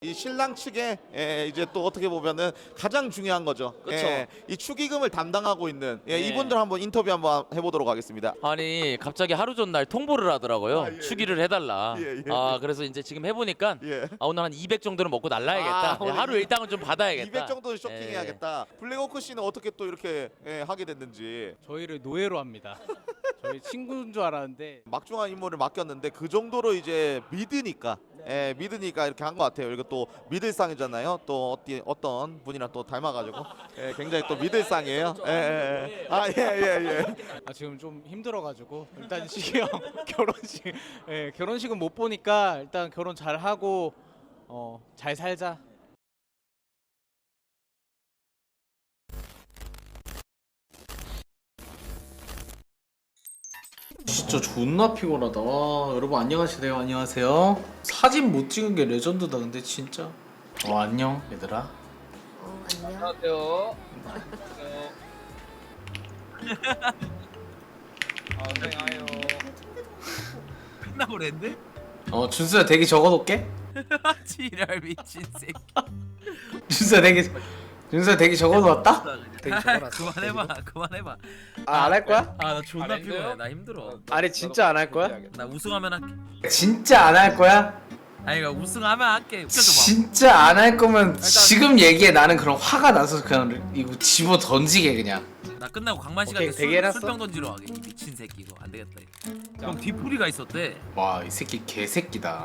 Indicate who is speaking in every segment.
Speaker 1: 이 신랑 측에 이제 또 어떻게 보면은 가장 중요한 거죠.
Speaker 2: 그쵸.
Speaker 1: 이 축의금을 담당하고 있는
Speaker 2: 네.
Speaker 1: 이분들 한번 인터뷰 한번 해보도록 하겠습니다.
Speaker 2: 아니 갑자기 하루 전날 통보를 하더라고요.
Speaker 1: 예,
Speaker 2: 축의를 해달라.
Speaker 1: 예.
Speaker 2: 그래서 이제 지금 해보니까
Speaker 1: 예.
Speaker 2: 오늘 한 200 정도는 먹고 날라야겠다.
Speaker 1: 오늘
Speaker 2: 하루 일당은 좀 받아야겠다.
Speaker 1: 200 정도는 쇼핑해야겠다. 블랙워크 씨는 어떻게 또 이렇게 하게 됐는지.
Speaker 3: 저희를 노예로 합니다. 저희 친구인 줄 알았는데
Speaker 1: 막중한 임무를 맡겼는데 그 정도로 이제 믿으니까 믿으니까 이렇게 한 것 같아요. 그리고 또 믿을상이잖아요. 또 어떤 분이랑 또 닮아가지고 굉장히 또 믿을상이에요. 예.
Speaker 3: 지금 좀 힘들어가지고 일단 시경 결혼식은 못 보니까 일단 결혼 잘 하고 잘 살자. 진짜 존나 피곤하다. 와, 여러분 안녕하세요. 안녕하세요. 사진 못 찍은 게 레전드다. 근데 진짜. 안녕 얘들아.
Speaker 4: 안녕.
Speaker 5: 안녕하세요. 안녕하세요.
Speaker 6: 끝나고 랜드?
Speaker 3: 준수야 대기 적어놓게.
Speaker 6: 지랄 미친 새끼.
Speaker 3: 준수야 대기 적어놓았다.
Speaker 6: 그만해봐.
Speaker 7: 안 할 거야?
Speaker 6: 아 나 존나
Speaker 5: 안
Speaker 6: 피곤해.
Speaker 5: 했어요?
Speaker 6: 나 힘들어.
Speaker 7: 아니 진짜 안 할 거야?
Speaker 6: 나 우승하면 할게.
Speaker 3: 진짜 안 할 거야?
Speaker 6: 아니 그러니까 우승하면 할게. 웃겨줘
Speaker 3: 진짜 안 할 거면 지금 얘기해. 나는 그런 화가 나서 그냥 이거 집어 던지게 그냥.
Speaker 6: 봐. 나 끝나고 강만
Speaker 7: 오케이,
Speaker 6: 씨한테
Speaker 7: 대기해놨어?
Speaker 6: 술병 던지러 가게. 미친 새끼 이거 안 되겠다. 이거. 형 뒤풀이가 있었대.
Speaker 3: 와, 이 새끼 개새끼다.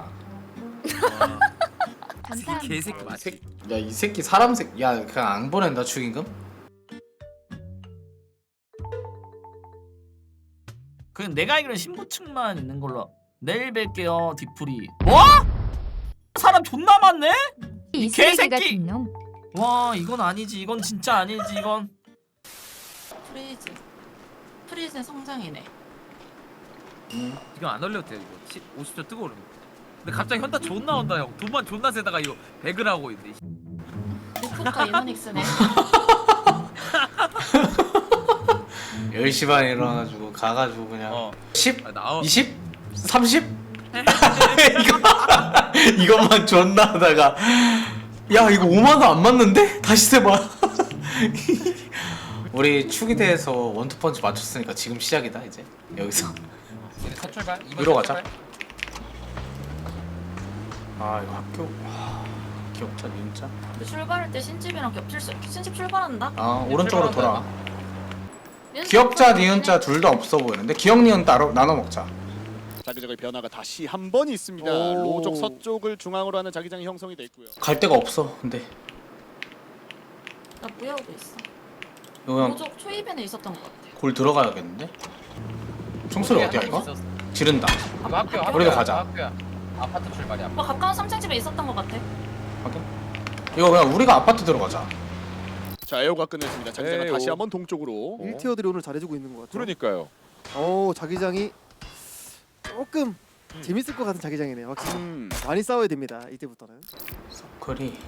Speaker 6: 이 개새끼 맞지?
Speaker 3: 야, 이 새끼 사람 새끼. 야, 그냥 안 보낸다 축의금?
Speaker 8: 그냥 내가 알기로는 신부층만 있는 걸로. 내일 뵐게요 디프리. 뭐? 사람 존나 많네?
Speaker 4: 이
Speaker 8: 개새끼!
Speaker 4: 쓰레기 같은 놈.
Speaker 8: 와 이건 아니지. 이건 진짜 아니지. 이건
Speaker 9: 프리즈의 성장이네.
Speaker 6: 이거 안 올려도 돼 이거. 50초 뜨거워. 근데 갑자기 현타 존나 온다 형. 돈만 존나 세다가 이거 배그를 하고 있네.
Speaker 9: 루프카 이노닉스네.
Speaker 3: 10시 반에 일어나가지고 가가지고 그냥 10?
Speaker 6: 아, 나와.
Speaker 3: 20? 30? 이것만 존나 하다가 야 이거 5만원 안 맞는데? 다시 세봐. 우리 축의대에서 원투펀치 맞췄으니까 지금 시작이다 이제 여기서.
Speaker 5: 첫 출발.
Speaker 3: 위로 가자. 아 이거 학교 기억자 니은자.
Speaker 9: 근데 출발할 때 신집이랑 겹칠 수. 신집 출발한다.
Speaker 3: 오른쪽으로 돌아.
Speaker 9: 민수
Speaker 3: 기억자
Speaker 9: 출발하네.
Speaker 3: 니은자 둘 다 없어 보이는데 기억 니은 따로 나눠 먹자.
Speaker 10: 자기장의 변화가 다시 한 번 있습니다. 로족 서쪽을 중앙으로 하는 자기장이 형성이 돼 있고요.
Speaker 3: 갈 데가 없어 근데
Speaker 9: 나 무야호도 있어.
Speaker 3: 이거 그냥
Speaker 9: 로족 초입에는 있었던 것 같아.
Speaker 3: 골 들어가야겠는데? 총소리 어디야 이거? 지른다.
Speaker 5: 학교.
Speaker 3: 우리도 가자.
Speaker 5: 학교야. 아파트 출발이야.
Speaker 9: 오빠 가까운 3층 집에 있었던 것 같아.
Speaker 3: 확인. 이거 그냥 우리가 아파트 들어가자.
Speaker 10: 자, 에어가 끝냈습니다. 자기장은
Speaker 5: 에오.
Speaker 10: 다시 한번 동쪽으로.
Speaker 11: 1티어들이 오늘 잘해주고 있는 것 같아요.
Speaker 5: 그러니까요.
Speaker 11: 자기장이 조금 재밌을 것 같은 자기장이네요. 확실히
Speaker 10: 음.
Speaker 11: 많이 싸워야 됩니다. 이때부터는.
Speaker 3: 서클이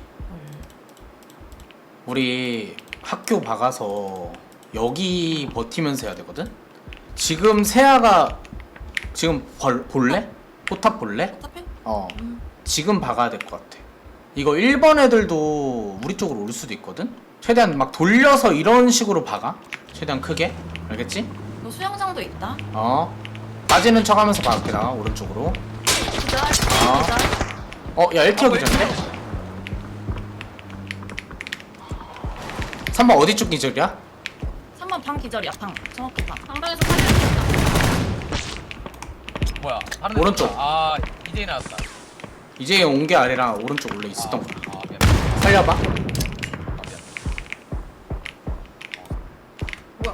Speaker 3: 우리 학교 박아서 여기 버티면서 해야 되거든? 지금 세아가 지금 볼래? 포탑 볼래?
Speaker 9: 어차피
Speaker 3: 지금 박아야 될 것 같아. 이거 1번 애들도 우리 쪽으로 올 수도 있거든? 최대한 막 돌려서 이런 식으로 박아. 최대한 크게. 알겠지?
Speaker 9: 너 수영장도 있다.
Speaker 3: 빠지는 척 하면서 박을게 나 오른쪽으로.
Speaker 9: 기절.
Speaker 3: 야 1티어 기절인데? 3번 어디 쪽 기절이야?
Speaker 9: 3번 방 기절이야. 방. 정확히 방. 방방에서 사진 찍었다.
Speaker 5: 뭐야?
Speaker 3: 오른쪽.
Speaker 5: 아 이제 나왔다.
Speaker 3: 이제 온 게 아니라 오른쪽 원래 있었던 거야.
Speaker 5: 미안.
Speaker 3: 살려봐.
Speaker 9: 뭐야?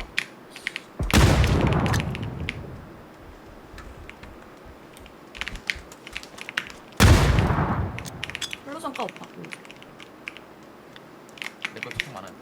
Speaker 9: 블루선가 오빠.
Speaker 5: 내거 총 많아.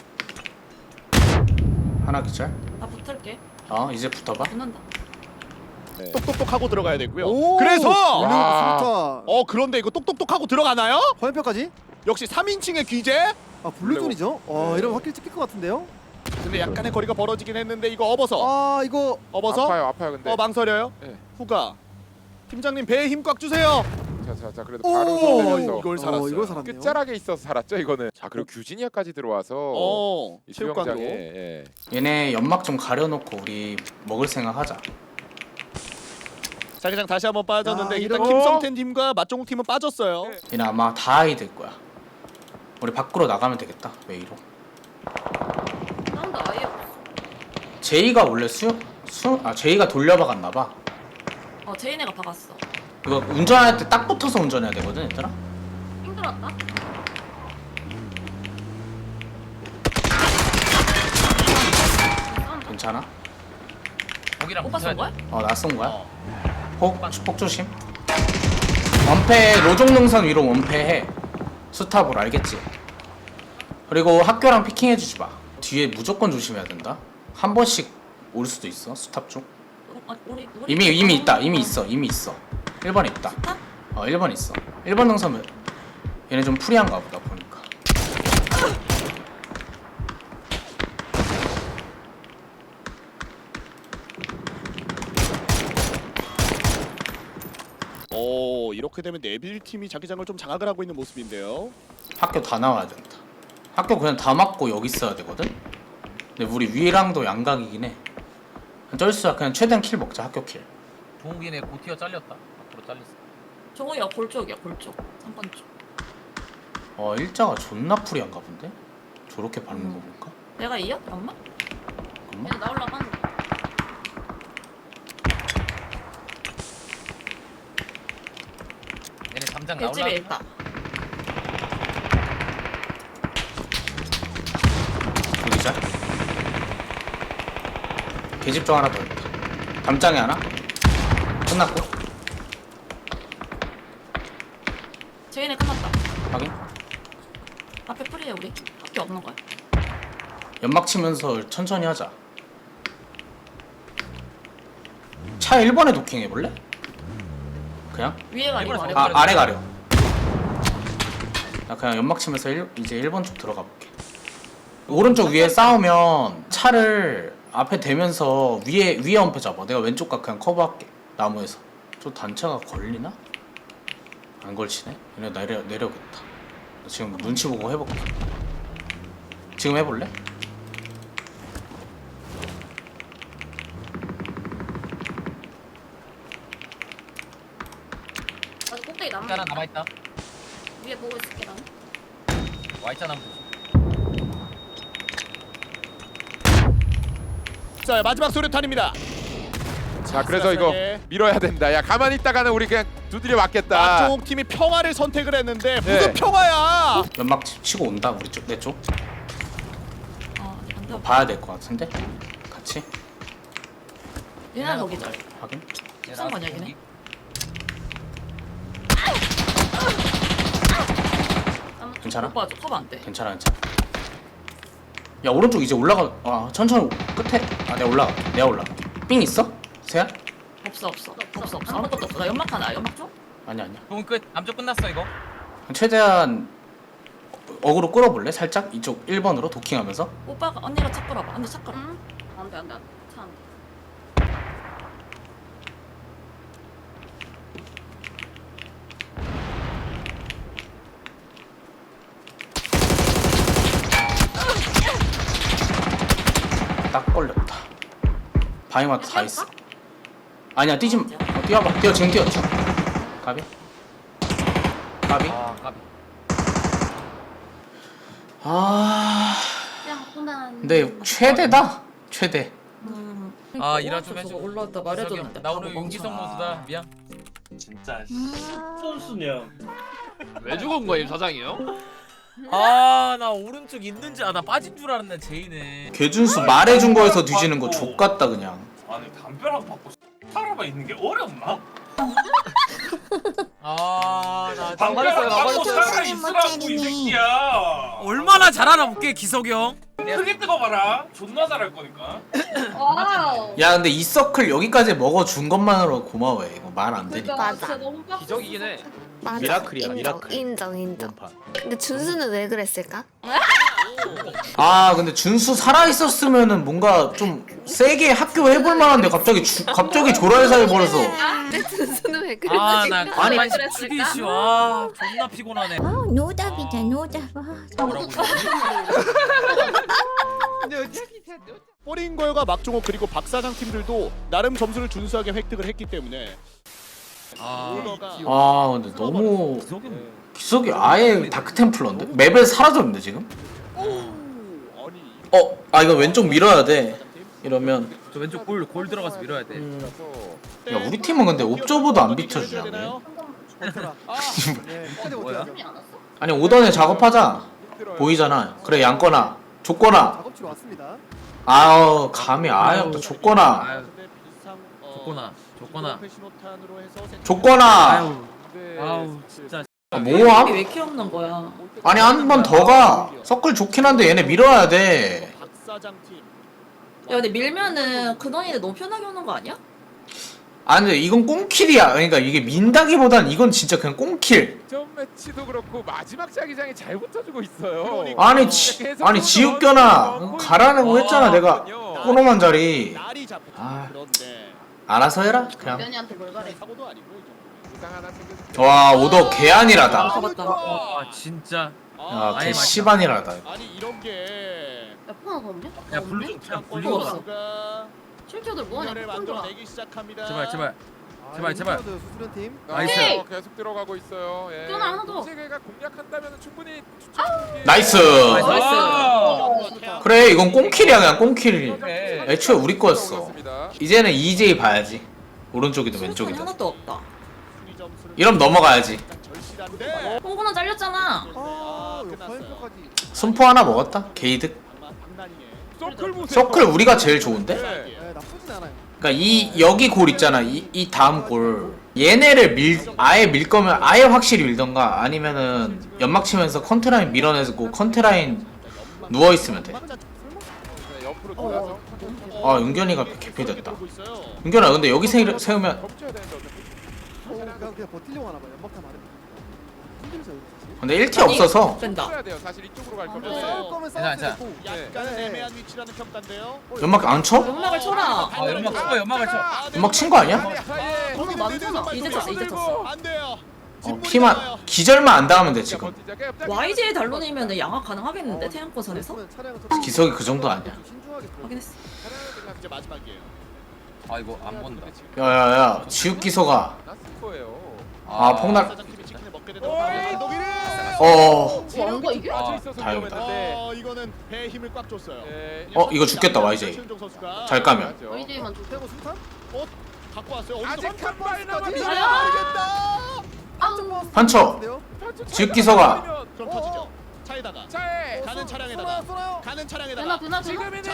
Speaker 3: 하나 기절.
Speaker 9: 나 붙을게.
Speaker 3: 이제 붙어봐.
Speaker 9: 붙는다.
Speaker 10: 똑똑똑 하고 들어가야 되고요.
Speaker 11: 오!
Speaker 10: 그래서
Speaker 11: 수류탄.
Speaker 10: 그런데 이거 똑똑똑 하고 들어가나요?
Speaker 11: 화염표까지?
Speaker 10: 역시 3인칭의 귀재.
Speaker 11: 블루존이죠? 이러면 확실히 찍힐 것 같은데요?
Speaker 10: 근데 약간의 거리가 벌어지긴 했는데 이거 업어서.
Speaker 11: 이거
Speaker 10: 업어서.
Speaker 5: 아파요 근데.
Speaker 10: 망설여요.
Speaker 5: 네.
Speaker 10: 후가. 팀장님 배에 힘 꽉 주세요.
Speaker 12: 자 그래도 바로 손대면서
Speaker 10: 이걸 살았어요.
Speaker 11: 이걸 살았네요.
Speaker 12: 끝자락에 있어서 살았죠 이거는. 자 그리고 규진이야까지 들어와서 이
Speaker 10: 체육관으로.
Speaker 12: 수영장에 예.
Speaker 3: 얘네 연막 좀 가려놓고 우리 먹을 생각 하자.
Speaker 10: 자기장 다시 한번 빠졌는데
Speaker 11: 야,
Speaker 10: 일단
Speaker 11: 이런-
Speaker 10: 김성태 팀과 맛종욱 팀은 빠졌어요.
Speaker 3: 얘네 아마 다 아이 될 거야. 우리 밖으로 나가면 되겠다. 웨이로.
Speaker 9: 사운드 아예 없어.
Speaker 3: 제이가 원래 제이가 돌려박았나 봐.
Speaker 9: 제인애가 박았어.
Speaker 3: 이거 운전할 때 딱 붙어서 운전해야 되거든, 얘들아.
Speaker 9: 힘들었다.
Speaker 3: 괜찮아?
Speaker 5: 거기랑
Speaker 9: 오빠 쏜
Speaker 5: 붙어야
Speaker 9: 거야?
Speaker 5: 돼.
Speaker 3: 나 쏜 거야. 폭 조심. 원패 로종능선 위로 원패해. 스탑으로 알겠지? 그리고 학교랑 피킹해주지 마. 뒤에 무조건 조심해야 된다. 한 번씩 올 수도 있어, 스탑 쪽.
Speaker 9: 우리
Speaker 3: 이미 있다. 이미 있어. 1번 있다. 1번 있어. 1번 능선은 얘네 좀 프리한가 보다 보니까.
Speaker 10: 이렇게 되면 네빌 팀이 자기장을 좀 장악을 하고 있는 모습인데요.
Speaker 3: 학교 다 나와야 된다. 학교 그냥 다 막고 여기 있어야 되거든. 근데 우리 위랑도 양각이긴 해. 쩔수야 그냥 최대한 킬 먹자. 학교 킬.
Speaker 5: 동욱이네 고티어 잘렸다. 앞으로 잘렸어.
Speaker 9: 종우이가 볼 쪽이야, 볼 쪽. 3번 쪽.
Speaker 3: 일자가 존나 프리한가 본데? 저렇게 밟는 거 볼까?
Speaker 9: 내가 이어? 엄마?
Speaker 3: 엄마?
Speaker 9: 얘 나올라고 하는 거.
Speaker 5: 얘네 담장
Speaker 9: 뱃집에
Speaker 5: 나올라.
Speaker 9: 있다.
Speaker 3: 여기자. 계집 중 하나 더 있다. 담장에 하나? 끝났고.
Speaker 9: 제인애 끝났다.
Speaker 3: 확인.
Speaker 9: 앞에 프리해 우리. 학교 없는 거야.
Speaker 3: 연막 치면서 천천히 하자. 차 1번에 도킹 해볼래? 그냥?
Speaker 9: 위에 가리고 아래
Speaker 3: 아래 가려. 나 그냥 연막 치면서 이제 1번 쪽 들어가 볼게. 오른쪽 위에 싸우면 차를 앞에 대면서 위에 엄폐 잡아. 내가 왼쪽 각 그냥 커버할게. 나무에서. 저 단차가 걸리나? 안 걸치네? 얘네 내려오겠다. 나 지금 눈치 보고 해볼게. 지금 해볼래?
Speaker 9: 아직 꼭대기 남은
Speaker 5: 하나 남아 있다.
Speaker 9: 위에 보고 있을게 나는.
Speaker 5: 와 있잖아.
Speaker 10: 자 마지막 소류탄입니다.
Speaker 12: 자 그래서 이거 밀어야 된다. 야 가만히 있다가는 우리 그냥 두드려 맞겠다.
Speaker 10: 맛종욱 팀이 평화를 선택을 했는데 무슨
Speaker 12: 네.
Speaker 10: 평화야?
Speaker 3: 연막 치고 온다 우리 쪽 내 쪽.
Speaker 9: 안 돼.
Speaker 3: 봐야 될 것 같은데? 같이?
Speaker 9: 얘는 거기 절.
Speaker 3: 확인?
Speaker 9: 쏜 거냐 걔네?
Speaker 3: 괜찮아?
Speaker 9: 오빠 저 커버 안 돼.
Speaker 3: 괜찮아. 야 오른쪽 이제 올라가. 천천히 끝에. 내가 올라가. 삥 있어? 세야?
Speaker 9: 없어. 아무것도 없어. 나 연막 하나. 연막 줘?
Speaker 3: 아니야.
Speaker 5: 동욱 끝. 남쪽 끝났어 이거.
Speaker 3: 최대한 어그로 끌어볼래? 살짝 이쪽 1번으로 도킹하면서.
Speaker 9: 오빠가 언니가 차 끌어봐. 언니 차 끌어. 안 돼. 차 안 돼.
Speaker 3: 딱 걸렸다. 바이마트 다 있어. 아니야 뛰지 마. 뛰어봐. 지금 뛰어. 가비.
Speaker 5: 까비.
Speaker 3: 근데 최대다. 최대.
Speaker 5: 일화 좀 해줘.
Speaker 9: 올라왔다 말해줬는데.
Speaker 5: 나 오늘 윤기성 모드다. 미안.
Speaker 6: 진짜 선수냐.
Speaker 2: 왜 죽은 거예요, 사장이요?
Speaker 6: 나 오른쪽 있는 줄 나 빠진 줄 알았네 제이네.
Speaker 3: 개준수 말해준 거에서 뒤지는 거 족같다 그냥.
Speaker 6: 아니 담벼락 받고 사람만 있는 게 어렵나?
Speaker 5: 나
Speaker 6: 담벼락 받고 살아 있으라고 이 새끼야. 얼마나 잘하나 볼게 기석이 형. 크게 뜨거봐라. 존나 잘할 거니까.
Speaker 9: 와우.
Speaker 3: 야 근데 이 서클 여기까지 먹어준 것만으로 고마워해. 이거 말 안 되니까.
Speaker 4: 맞아.
Speaker 9: 너무 빡세.
Speaker 2: 기적이긴 해.
Speaker 4: 맞아.
Speaker 10: 미라클이야, 미라클.
Speaker 4: 인정. 근데 준수는 왜 그랬을까?
Speaker 3: 근데 준수 살아 있었으면은 뭔가 좀 세게 학교 해볼 만한데 갑자기 조랄사 해버려서.
Speaker 4: 근데 준수는 왜 왜
Speaker 5: 아,
Speaker 4: 그랬을까?
Speaker 5: 나 가만히 죽이기 싫어. 존나 피곤하네.
Speaker 4: 노답이다 노답.
Speaker 5: 뭐라고
Speaker 10: 뽀링걸과 막종호 그리고 박사장 팀들도 나름 점수를 준수하게 획득을 했기 때문에
Speaker 3: 아 근데 너무 기석이 아예 다크템플러인데? 맵에 사라졌는데 지금? 아 이거 왼쪽 밀어야 돼. 이러면
Speaker 5: 저 왼쪽 골 들어가서 밀어야 돼.
Speaker 3: 야 우리 팀은 근데 옵저버도 안 비춰주냐 왜?
Speaker 11: 네, 끝에 못해요.
Speaker 3: 아니 오던에 작업하자. 보이잖아. 그래 양거나 줬거나.
Speaker 11: 작업치로 왔습니다.
Speaker 3: 아우 감이 아예 없다. 줬거나
Speaker 5: 아유, 줬거나.
Speaker 3: 줬거나.
Speaker 5: 아우 진짜.
Speaker 3: 뭐함?
Speaker 9: 왜 이렇게 없는 거야?
Speaker 3: 아니 한 번 더 가. 서클 좋긴 한데 얘네 밀어야 돼.
Speaker 10: 박사장 팀.
Speaker 9: 야 근데 밀면은 근원이는 너무 편하게 오는 거 아니야?
Speaker 3: 아 근데 이건 꽁킬이야. 그러니까 이게 민다기보단 이건 진짜 그냥 꽁킬.
Speaker 12: 점 매치도 그렇고 마지막 자기장이 잘 붙어주고 있어요.
Speaker 3: 아니 지읒겨나 가라는 거 했잖아 내가. 코너만 자리.
Speaker 10: 날이 잡혀.
Speaker 3: 아
Speaker 10: 그런데
Speaker 3: 알아서 해라 그냥.
Speaker 9: 변이한테 뭘 바래?
Speaker 10: 사고도 아니고 이 정도.
Speaker 12: 부상 하나 챙겨주세요.
Speaker 3: 와 오더 개안이라다.
Speaker 9: 잡았다.
Speaker 5: 아 진짜.
Speaker 3: 야
Speaker 5: 아예
Speaker 3: 개씨반이라다.
Speaker 10: 아니 이런 게
Speaker 9: 야 폰 하나 더 없냐?
Speaker 5: 야 블루 좀 그냥 블루
Speaker 9: 없어.
Speaker 5: 가.
Speaker 10: 선수가
Speaker 9: 실키어들 뭐하냐?
Speaker 10: 분열을
Speaker 9: 폰 줘라.
Speaker 10: 만들어내기 시작합니다.
Speaker 5: 제발.
Speaker 11: 아,
Speaker 5: 제발, 제발.
Speaker 11: 수수련 팀.
Speaker 5: 나이스.
Speaker 12: 어, 계속 들어가고 있어요. 예.
Speaker 9: 끊어, 하나 더.
Speaker 12: 세계가 공략한다면 충분히 추천드리기에
Speaker 3: 나이스.
Speaker 5: 나이스.
Speaker 3: 그래 이건 꽁킬이야 그냥 꽁킬.
Speaker 5: 그래.
Speaker 3: 애초에 우리 거였어. 이제는 EJ 봐야지. 오른쪽이든
Speaker 9: 수류탄이
Speaker 3: 왼쪽이든.
Speaker 9: 하나도 없다.
Speaker 3: 이러면 넘어가야지.
Speaker 10: 절실한데.
Speaker 9: 홍구는 잘렸잖아.
Speaker 11: 아,
Speaker 10: 끝났어요.
Speaker 11: 역파인포까지.
Speaker 3: 손포 하나 먹었다. 게이득.
Speaker 10: 장난이네.
Speaker 12: 서클 보세요.
Speaker 3: 서클 우리가 제일 좋은데?
Speaker 12: 네.
Speaker 11: 네, 나쁘진 않아요.
Speaker 3: 그러니까 이 여기 골 있잖아. 이 다음 골. 얘네를 아예 밀 거면 아예 확실히 밀던가 아니면은 연막 치면서 컨트라인 밀어내고 컨트라인 누워 있으면 돼.
Speaker 12: 네, 옆으로 돌아서
Speaker 3: 아 윤견이가 개피됐다. 윤견아 근데 여기 세우면
Speaker 12: 멈춰야 되는데 어차피.
Speaker 11: 그냥 버틸려고 하나 봐요. 연막탄 많으면. 힘들죠, 이거 사실.
Speaker 3: 근데 1티 없어서
Speaker 9: 뺀다.
Speaker 12: 멈춰야 돼요. 사실 이쪽으로 갈 거면.
Speaker 11: 싸울 거면 싸울 수
Speaker 5: 괜찮아.
Speaker 11: 있고.
Speaker 10: 약간
Speaker 11: 네.
Speaker 10: 애매한 위치라는 평가인데요.
Speaker 3: 연막 안 쳐?
Speaker 9: 연막을 쳐라.
Speaker 5: 아 연막 쳐.
Speaker 3: 연막 친 거 아니야?
Speaker 9: 너무 많잖아. 이제 쳤어.
Speaker 10: 안 돼요.
Speaker 3: 피만 기절만 안 당하면 돼 지금.
Speaker 9: YJ 달론이면 양악 가능하겠는데 태양권선에서?
Speaker 11: 그러면 차량을 좀
Speaker 3: 기석이 그 정도 아니야.
Speaker 11: 신중하게 들어가요.
Speaker 9: 확인했어.
Speaker 10: 이제 마지막이에요.
Speaker 5: 아 이거 안 본다.
Speaker 3: 야야야 지읒 기석아.
Speaker 12: 났을 거예요.
Speaker 3: 아 폭날.
Speaker 10: 사장팀이 치킨을 먹게 되는 감독이는
Speaker 3: 어.
Speaker 9: 거 이게?
Speaker 12: 빠져 있어서
Speaker 3: 다행이다.
Speaker 12: 위험했는데.
Speaker 10: 이거는 배에 힘을 꽉 줬어요.
Speaker 12: 예.
Speaker 3: 이거 죽겠다 YJ.
Speaker 10: 최은종 선수가
Speaker 3: 잘 까면.
Speaker 9: YJ만 줘.
Speaker 11: 태고 수탄?
Speaker 10: 갖고 왔어요.
Speaker 12: 아직 한 발
Speaker 11: 버스까지?
Speaker 12: 남았다.
Speaker 3: 판쳐. 지읒 기석아.
Speaker 10: 그럼 터지죠. 차에다가
Speaker 12: 차에
Speaker 10: 가는 차량에다가 가는 차량에다가
Speaker 9: 되나?
Speaker 12: 지금이네.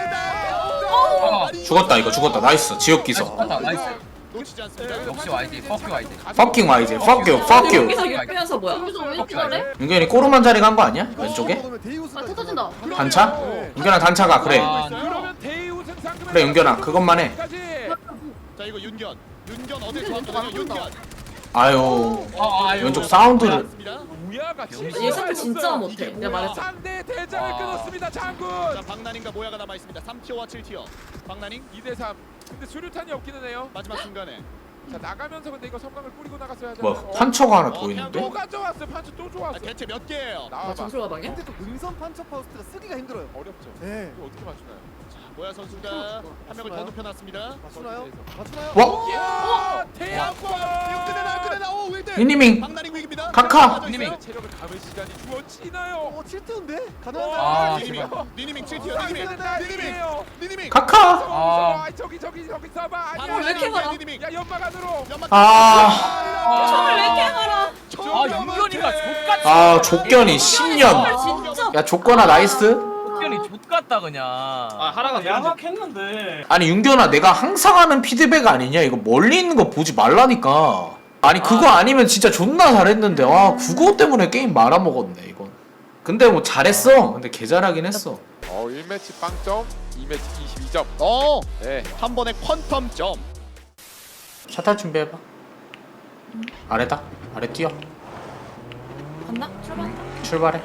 Speaker 3: 죽었다 이거 죽었다. 나이스 지읒 기석.
Speaker 5: 나이스.
Speaker 10: 놓치지 않습니다.
Speaker 5: 역시 YG. 퍼큐 YG.
Speaker 3: Fucking YJ. Fuck you. Fuck you.
Speaker 9: 여기서 육배면서 뭐야? 여기서 왜 이렇게 잘해?
Speaker 3: 윤견이 꼬르만 자리 간 거 아니야? 왼쪽에?
Speaker 9: 아 터진다.
Speaker 3: 단차? 윤견아 단차가 그래.
Speaker 12: 그러면 대의 우승 상금에
Speaker 3: 그래 윤견아 그것만 해.
Speaker 12: 까지.
Speaker 10: 자 이거 윤견 어딜 좋아하거든요. 윤견.
Speaker 3: 아유
Speaker 5: 아유.
Speaker 3: 왼쪽 사운드를.
Speaker 10: 맞습니다.
Speaker 12: 우야가
Speaker 9: 얘 사실 진짜 못해. 내가 말했어.
Speaker 12: 상대 대장을 끊었습니다. 장군.
Speaker 10: 자 박나닝과 모야가 남아 있습니다. 3티어와 7티어. 박나닝
Speaker 12: 2대3. 근데 수류탄이 없기는 해요.
Speaker 10: 마지막 순간에
Speaker 12: 자 나가면서 근데 이거 섬광을 뿌리고 나갔어야 하잖아요.
Speaker 3: 뭐 판처가 하나 보이는데?
Speaker 12: 또 가져왔어. 판치 또 좋았어.
Speaker 10: 대체 몇 개예요?
Speaker 12: 나와봐.
Speaker 9: 점수 가방이야?
Speaker 11: 근데 또 능선 판처 파우스트가 쓰기가 힘들어요.
Speaker 12: 어렵죠.
Speaker 11: 네.
Speaker 12: 이거 어떻게 맞추나요?
Speaker 10: 모야 선수가 한 명을 더 눕혀놨습니다.
Speaker 11: 맞추나요? 맞추나요?
Speaker 3: 와?
Speaker 12: 야 태양권.
Speaker 10: 끄내나 오 1대.
Speaker 3: 니니밍
Speaker 10: 박나닝 위기입니다.
Speaker 3: 카카.
Speaker 12: 니님이 체력을 감을 시간이 주어지나요?
Speaker 11: 7대인데?
Speaker 12: 아,
Speaker 11: 가능한가요?
Speaker 10: 니니밍 7티어. 니니밍.
Speaker 3: 카카.
Speaker 12: 아 저기 써봐. 아니야.
Speaker 9: 왜 이렇게 가라?
Speaker 12: 야 연막 안으로.
Speaker 3: 아.
Speaker 9: 처음에 왜 이렇게 가라?
Speaker 5: 아 윤견이가 족같이.
Speaker 3: 아 족견이 10년.
Speaker 9: 아, 진짜.
Speaker 3: 야 족거나 나이스.
Speaker 5: 윤견이 족같다 그냥. 아 하라가 양악했는데.
Speaker 3: 아니 윤견아 내가 항상 하는 피드백 아니냐? 이거 멀리 있는 거 보지 말라니까. 아니 그거 아니면 진짜 존나 잘했는데 아 그거 때문에 게임 말아먹었네 이건. 근데 뭐 잘했어. 근데 개 잘하긴 했어.
Speaker 12: 1매치 빵점, 2매치 22점. 네.
Speaker 10: 한 번에 퀀텀 점.
Speaker 3: 샷할 준비해봐. 아래다. 아래 뛰어.
Speaker 9: 간다? 출발한다.
Speaker 3: 출발해.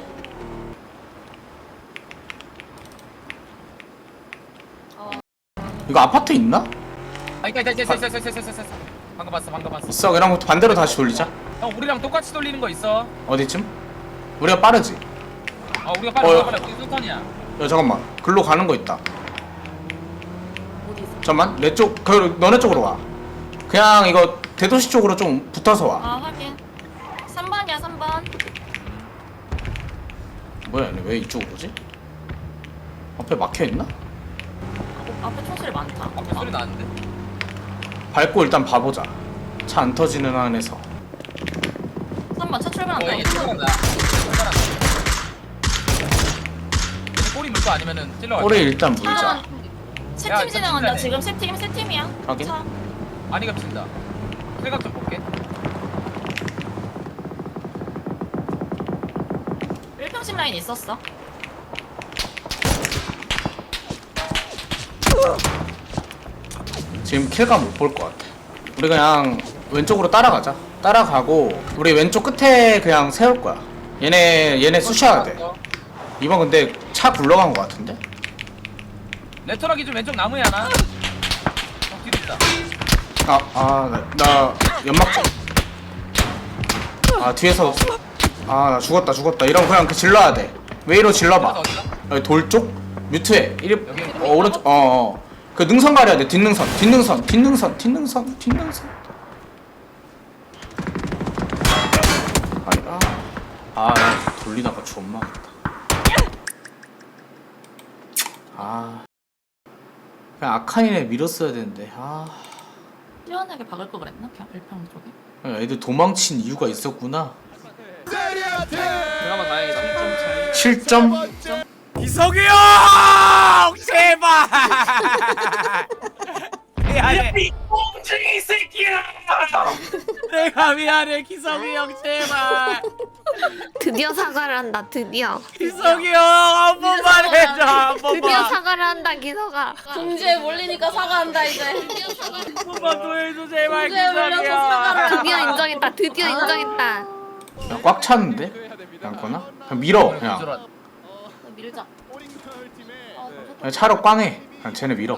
Speaker 3: 이거 아파트 있나?
Speaker 5: 아 있다. 방금 봤어.
Speaker 3: 있어. 그럼 반대로 다시 돌리자.
Speaker 5: 형 우리랑 똑같이 돌리는 거 있어.
Speaker 3: 어디쯤? 우리가 빠르지?
Speaker 5: 우리가 빨리 우리 순턴이야.
Speaker 3: 야 잠깐만. 글로 가는 거 있다.
Speaker 9: 어디 있어?
Speaker 3: 잠깐만. 내 쪽, 너네 쪽으로 와. 그냥 이거 대도시 쪽으로 좀 붙어서 와.
Speaker 9: 아 확인. 3번이야 3번.
Speaker 3: 뭐야, 얘네 왜 이쪽으로 오지? 앞에 막혀 있나?
Speaker 9: 앞에 총소리 많다.
Speaker 5: 앞에 소리 나는데.
Speaker 3: 밟고 일단 봐보자. 차 안 터지는 안에서.
Speaker 9: 3번 차 출발한다.
Speaker 5: 얘 출발한다. 꼬리 물거 아니면은 찔러.
Speaker 3: 꼬리 일단 물자.
Speaker 9: 차. 세팀
Speaker 5: 야,
Speaker 9: 진행한다.
Speaker 5: 진짜네.
Speaker 9: 지금 세 팀이야.
Speaker 3: 확인.
Speaker 9: 차.
Speaker 5: 많이 겹친다. 생각 좀 볼게.
Speaker 9: 1평심 라인 있었어.
Speaker 3: 지금 킬감 못 볼 것 같아. 우리 그냥 왼쪽으로 따라가자. 따라가고 우리 왼쪽 끝에 그냥 세울 거야. 얘네 쑤셔야 돼. 이번 근데 차 굴러간 것 같은데?
Speaker 5: 레토라기 좀 왼쪽 나무에 하나. 뒤로 있다.
Speaker 3: 나 연막 좀. 뒤에서. 나 죽었다. 이러면 그냥 그 질러야 돼. 웨이로 질러봐.
Speaker 5: 어디다?
Speaker 3: 여기 돌 쪽? 뮤트에.
Speaker 5: 여기.
Speaker 3: 오른쪽. 그 능선 가려야 돼. 뒷능선. 아니, 돌리다가 존망했다. 그냥 아칸이네 밀었어야 되는데.
Speaker 9: 시원하게 박을 거 그랬나? 그냥 1평 쪽에.
Speaker 3: 애들 도망친 이유가 있었구나.
Speaker 5: 그나마 다행이다.
Speaker 3: 7점?
Speaker 6: 기석이 형 제발. 미안해. 꽁증이 새끼야. 내가 미안해 기석이 형 제발.
Speaker 4: 드디어 사과를 한다. 드디어.
Speaker 6: 기석이 형 한 번만 해줘 한
Speaker 4: 드디어
Speaker 6: 번만.
Speaker 4: 사과를 한다. 기서가.
Speaker 9: 궁지에 몰리니까 사과한다 이제.
Speaker 6: 한 번만 더 해줘 제발
Speaker 9: 궁지에
Speaker 6: 기석이
Speaker 9: 몰려서
Speaker 6: 형.
Speaker 9: 사과를
Speaker 4: 드디어
Speaker 9: 한다.
Speaker 4: 인정했다. 드디어 인정했다.
Speaker 3: 야, 꽉 찼는데? 양거나? 그냥 밀어. 그냥.
Speaker 9: 밀자.
Speaker 3: 그냥 차로 꽝해. 그냥 쟤네 밀어.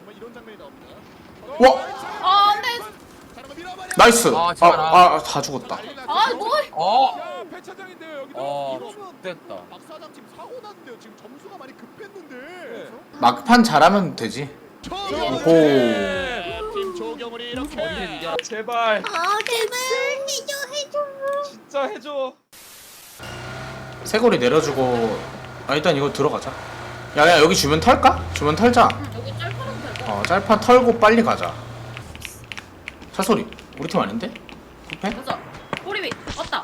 Speaker 3: 와!
Speaker 9: 안돼.
Speaker 3: 나이스!
Speaker 5: 제발,
Speaker 3: 다 죽었다.
Speaker 9: 뭐?
Speaker 5: 됐다.
Speaker 3: 막판 잘하면 되지. 오호.
Speaker 10: 팀 조경을 이렇게
Speaker 6: 제발
Speaker 4: 제발 해줘.
Speaker 6: 진짜 해줘.
Speaker 3: 새골이 내려주고. 일단 이거 들어가자. 야, 여기 주변 털까? 주변 털자.
Speaker 9: 여기 짤파면 될 거.
Speaker 3: 짤파 털고 빨리 가자. 차소리. 우리 팀 아닌데? 쿠페?
Speaker 9: 맞아. 꼬리 위 왔다.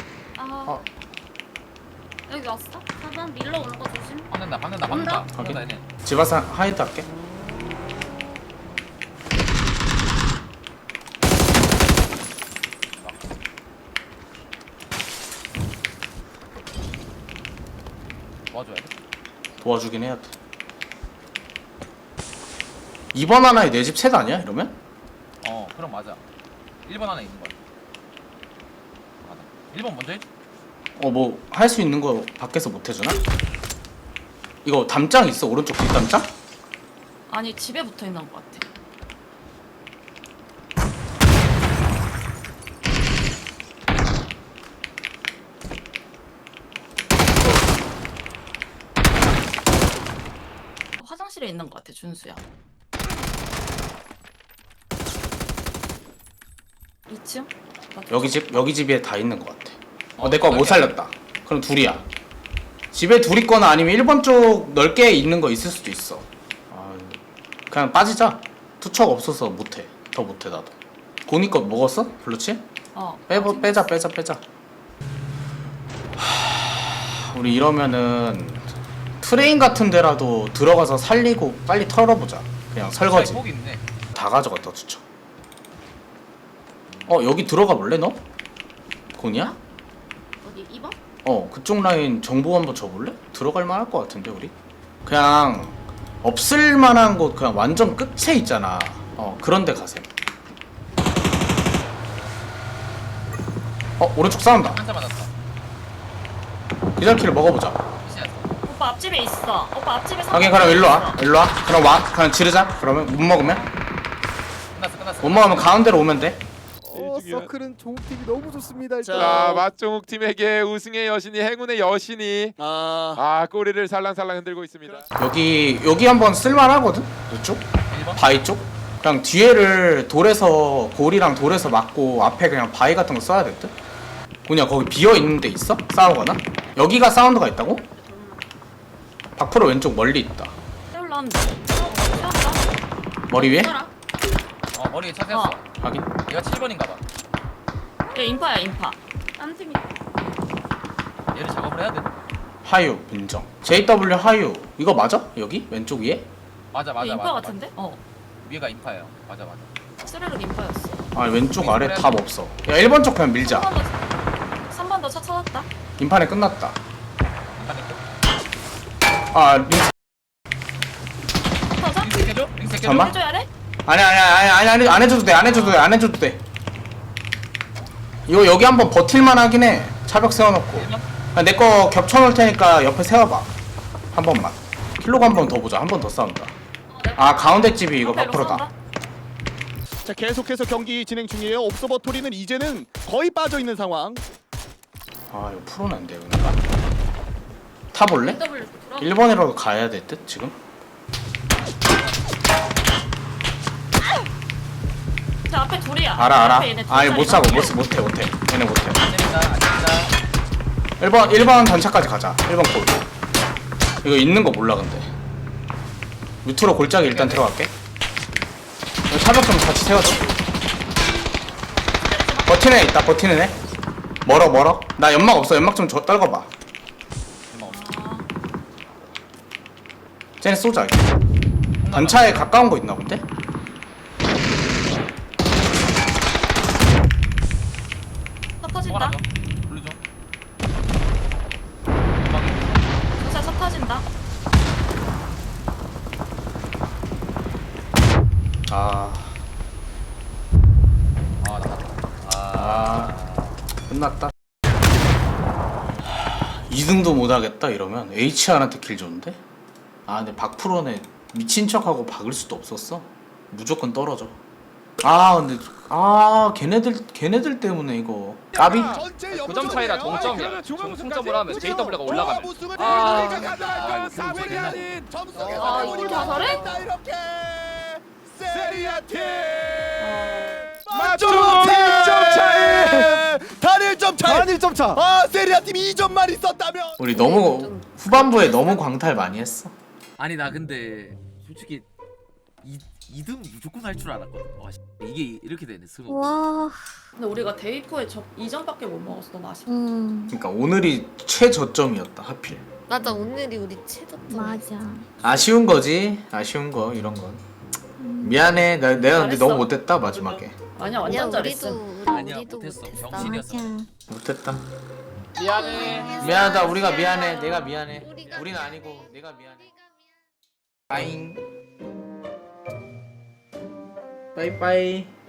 Speaker 9: 여기 왔어? 4번 밀러 오는 거 조심.
Speaker 5: 박는다.
Speaker 3: 확인.
Speaker 5: 얘네.
Speaker 3: 집안사 하이드 할게.
Speaker 5: 도와줘야 돼.
Speaker 3: 도와주긴 해야 돼. 2번 하나에 내 집 셋 아니야? 이러면?
Speaker 5: 그럼 맞아. 1번 하나 있는 거야. 맞아. 1번 먼저 해.
Speaker 3: 뭐 할 수 있는 거 밖에서 못 해주나? 이거 담장 있어? 오른쪽 뒷담장?
Speaker 9: 아니 집에 붙어 있는 거 같아. 화장실에 있는 거 같아 준수야. 2층?
Speaker 3: 여기 집에 다 있는 거 같아. 내 거 못 살렸다. 그럼 둘이야. 집에 둘 있거나 아니면 1번 쪽 넓게 있는 거 있을 수도 있어. 그냥 빠지자. 투척 없어서 못해. 더 못해 나도. 고니 거 먹었어? 블루치? 빼자. 우리 이러면은 트레인 같은 데라도 들어가서 살리고 빨리 털어보자. 그냥 설거지.
Speaker 5: 폭 있네.
Speaker 3: 다 가져갔다 투척. 여기 들어가 볼래 너? 고니야?
Speaker 9: 어디 2번?
Speaker 3: 그쪽 라인 정보 한번 줘볼래? 들어갈 만할 것 같은데 우리? 그냥 없을 만한 곳 그냥 완전 끝에 있잖아. 그런 데 가셈. 오른쪽 싸운다.
Speaker 5: 한자 맞았다.
Speaker 3: 기절키를 먹어보자.
Speaker 9: 오빠 앞집에 있어. 오빠 앞집에
Speaker 3: 하긴 그럼 일로 와. 그럼 와. 그냥 지르자. 그러면 못 먹으면?
Speaker 5: 끝났어.
Speaker 3: 못 먹으면 가운데로 오면 돼.
Speaker 12: 중요한.
Speaker 11: 서클은 종욱팀이 너무 좋습니다. 일단.
Speaker 12: 자 맛종욱 팀에게 우승의 여신이 행운의 여신이
Speaker 10: 아,
Speaker 12: 꼬리를 살랑살랑 흔들고 있습니다.
Speaker 3: 여기 한번 쓸만하거든. 이쪽
Speaker 5: 1번.
Speaker 3: 바위 쪽. 그냥 뒤에를 돌에서 골이랑 돌에서 막고 앞에 그냥 바위 같은 거 써야 될 듯. 그냥 거기 비어 있는 데 있어? 싸우거나? 여기가 사운드가 있다고? 박프로 왼쪽 멀리 있다.
Speaker 9: 올라온다. 세웠다.
Speaker 3: 머리 위에?
Speaker 9: 따라.
Speaker 5: 머리에 차 세웠어.
Speaker 3: 확인.
Speaker 5: 얘가 7번인가 봐.
Speaker 9: 얘 인파야 인파. 딴 팀이.
Speaker 5: 얘를 작업을 해야 돼.
Speaker 3: 하유 인정. JW 하유 이거 맞아? 여기 왼쪽 위에?
Speaker 5: 맞아
Speaker 9: 얘 인파 같은데?
Speaker 5: 위에가 인파예요. 맞아.
Speaker 9: 쓰레기 인파였어.
Speaker 3: 아 왼쪽 아래 답 없어. 야 1번 쪽 그냥 밀자.
Speaker 9: 3번 더 차 찾았다.
Speaker 3: 인판에 끝났다.
Speaker 5: 인파네.
Speaker 3: 아 링.
Speaker 9: 터져?
Speaker 5: 링스 해줘? 링스 해줘?
Speaker 3: 잠깐만.
Speaker 9: 해줘야 돼?
Speaker 3: 아니 안 해줘도 돼. 안 해줘도 돼. 이거 여기 한번 버틸만 하긴 해. 차벽 세워놓고. 내 거 겹쳐놓을 테니까 옆에 세워봐. 한 번만. 킬로가 한 번 더 보자. 한 번 더 싸운다. 아 가운데 집이 이거 밖으로다.
Speaker 10: 자 계속해서 경기 진행 중이에요. 옵서버토리는 이제는 거의 빠져 있는 상황.
Speaker 3: 아 이거 프로는 안 돼. 그러니까. 타볼래? 1번이라도 가야 될 듯 지금?
Speaker 9: 저 앞에 둘이야.
Speaker 3: 알아.
Speaker 9: 앞에 얘네 둘
Speaker 3: 아니 못
Speaker 9: 자리가.
Speaker 3: 사고 못해. 얘네 못해.
Speaker 5: 안 됩니다.
Speaker 3: 1번 전차까지 가자. 1번 골. 이거 있는 거 몰라 근데. 밑으로 골짜기 일단 들어갈게. 이거 차벽 좀 같이 세워줘. 버티는 애 있다. 버티는 애. 멀어. 나 연막 없어. 연막 좀 떨궈봐. 쟤네 쏘자. 단차에 가까운 거 있나 본데?
Speaker 9: 차 터진다.
Speaker 5: 불러줘.
Speaker 9: 차 터진다.
Speaker 3: 끝났다. 2등도 못하겠다 이러면 HR한테 킬 줬는데? 아 근데 박프로네 미친 척하고 박을 수도 없었어. 무조건 떨어져. 근데 걔네들 때문에 이거 까비?
Speaker 2: 9점 차이라 동점이야. 승점을 하면 JW가 올라가면.
Speaker 9: 이걸 다 잘해?
Speaker 10: 맞죠? 1점 차이. 단 1점 차이.
Speaker 11: 단 1점 차.
Speaker 10: 세리아 팀이 2점만 있었다면.
Speaker 3: 우리 너무 후반부에 너무 광탈 많이 했어.
Speaker 6: 아니 나 근데 솔직히 2등 무조건 할 줄 알았거든. 와, 이게 이렇게 되네 스무.
Speaker 4: 와.
Speaker 9: 근데 우리가 데이코에 2점밖에 못 먹었어. 너무 아쉽다.
Speaker 3: 그러니까 오늘이 최저점이었다 하필.
Speaker 4: 맞아 오늘이 우리 최저점. 맞아.
Speaker 3: 아쉬운 거지. 아쉬운 거 이런 건. 미안해. 내가 근데
Speaker 9: 잘했어.
Speaker 3: 너무 못했다 마지막에.
Speaker 9: 아니야 완전 잘했어.
Speaker 6: 아니야,
Speaker 4: 우리도
Speaker 6: 못했어.
Speaker 4: 못했어.
Speaker 6: 병신이었어.
Speaker 3: 못했다.
Speaker 2: 미안해.
Speaker 3: 미안하다. 우리가 미안해. 내가 미안해. 우리는 아니고 내가 미안해. 빠잉. 빠이빠이.